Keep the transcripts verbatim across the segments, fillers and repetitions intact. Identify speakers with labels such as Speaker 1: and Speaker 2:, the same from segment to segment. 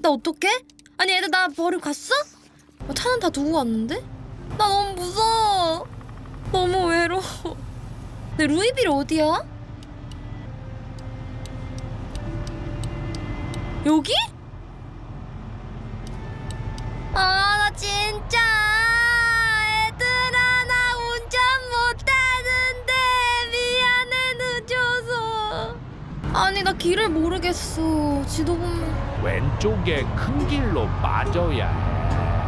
Speaker 1: 나 어떡해? 아니 애들 나 버리고 갔어? 어, 차는 다 두고 갔는데? 나 너무 무서워. 너무 외로워. 근데 루이빌 어디야? 여기? 아, 나 진짜 얘들아 나 운전 못하는데 미안해 늦어서. 아니 나 길을 모르겠어. 지도 보면
Speaker 2: 왼쪽에 큰 길로 빠져야 해.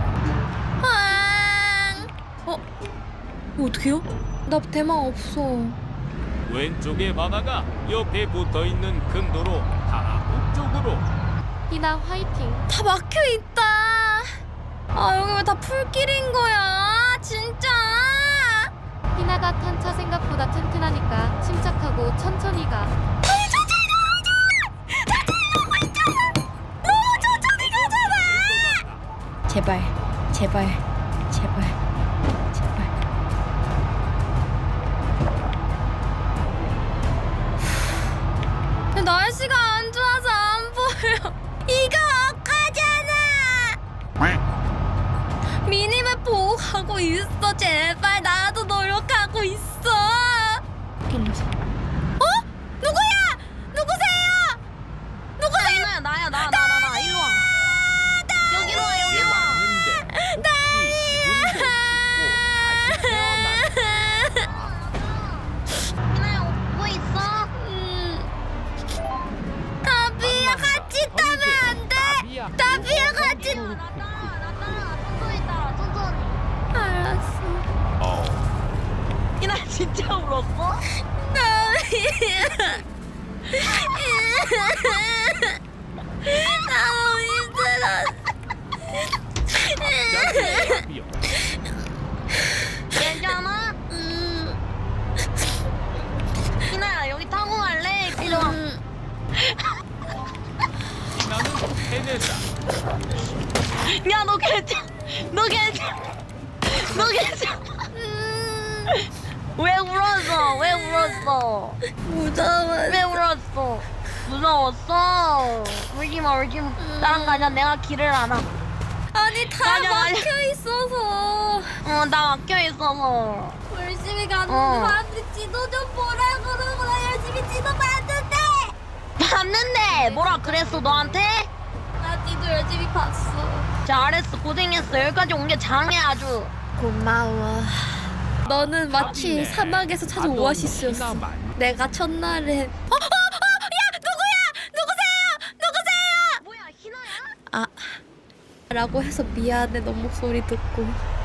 Speaker 1: 아, 어? 이거 어떡해요? 나 대망 없어.
Speaker 3: 왼쪽의 바다가 옆에 붙어있는 큰 도로 다 북쪽으로.
Speaker 4: 희나 화이팅.
Speaker 1: 다 막혀있다. 아 여기 왜 다 풀길인 거야 진짜.
Speaker 4: 희나가 탄 차 생각보다 튼튼하니까 침착하고 천천히 가.
Speaker 1: 아니 천천히 가자. 천천히 가고 있잖아. 너무 천천히 가잖아. 제발 제발 제발 제발. 근데 날씨가 안 좋아서 안 보여. 이거 억하잖아. 미니맵 보고 가고 있어. 제발 나도 노력하고 있어. 어? 누구야? 누구세요? 누구세요?
Speaker 5: 나야 나야 나 나 나 나 일로 와. 여기로 와 여기로 와.
Speaker 2: 왔는데 혹시 기분 좋고 다시 태어났나?
Speaker 5: 희나야 오고 있어?
Speaker 1: 음. 다비야 같이 타면 안 돼.
Speaker 2: 나비야.
Speaker 1: 다비야 같이.
Speaker 5: 나 따라 나 따라 천천히 따라 천천히.
Speaker 1: 알았어.
Speaker 2: 어.
Speaker 5: 희나 진짜 울었어?
Speaker 1: 다비야. 너무 힘들었어.
Speaker 2: 나비야.
Speaker 5: 괜찮아?
Speaker 1: 음.
Speaker 5: 희나야 여기 타고 갈래? 일로 와.
Speaker 1: 음.
Speaker 2: 나는 해내자.
Speaker 5: 야 너 괜찮? 너 괜찮? 너 괜찮?
Speaker 1: 음.
Speaker 5: 왜 울었어? 왜 울었어?
Speaker 1: 무서워.
Speaker 5: 왜 울었어? 무서웠어? 울지마 울지마. 나랑 가자. 내가 길을 알아.
Speaker 1: 아니 다
Speaker 5: 가자, 가자.
Speaker 1: 막혀 있어서.
Speaker 5: 어 나 막혀 있어서.
Speaker 1: 열심히 갔는데
Speaker 5: 어.
Speaker 1: 사람들이 지도 좀 보라 그러고 나 열심히 지도 봤는데.
Speaker 5: 봤는데 뭐라 그랬어 너한테?
Speaker 1: 나 지도 열심히 봤어.
Speaker 5: 잘했어 고생했어. 여기까지 온 게 장해 아주.
Speaker 1: 고마워. 너는 마치
Speaker 2: 아니네.
Speaker 1: 사막에서 찾은
Speaker 2: 나도
Speaker 1: 오아시스였어.
Speaker 2: 희나만.
Speaker 1: 내가 첫날에 어? 어? 어? 야! 누구야? 누구세요? 누구세요?
Speaker 5: 뭐야 희나야?
Speaker 1: 아 라고 해서 미안해. 너 목소리 듣고.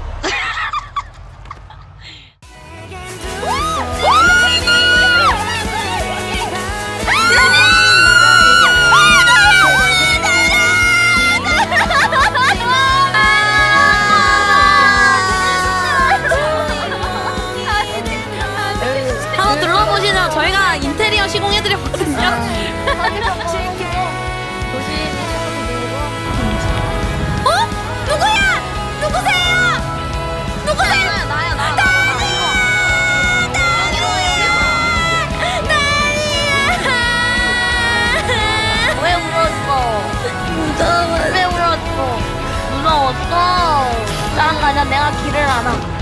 Speaker 5: 한번 둘러보시죠. 저희가 인테리어 시공해드렸거든요.
Speaker 1: 어? 누구야? 누구세요? 누구세요?
Speaker 5: 나야 나야 나. 나, 나, 나, 이리 와. 여기로 와, 여기로 와. 왜 울었어?
Speaker 1: 무서워.
Speaker 5: 왜 울었어? 무서웠어? 나랑 가자. 내가 길을 알아.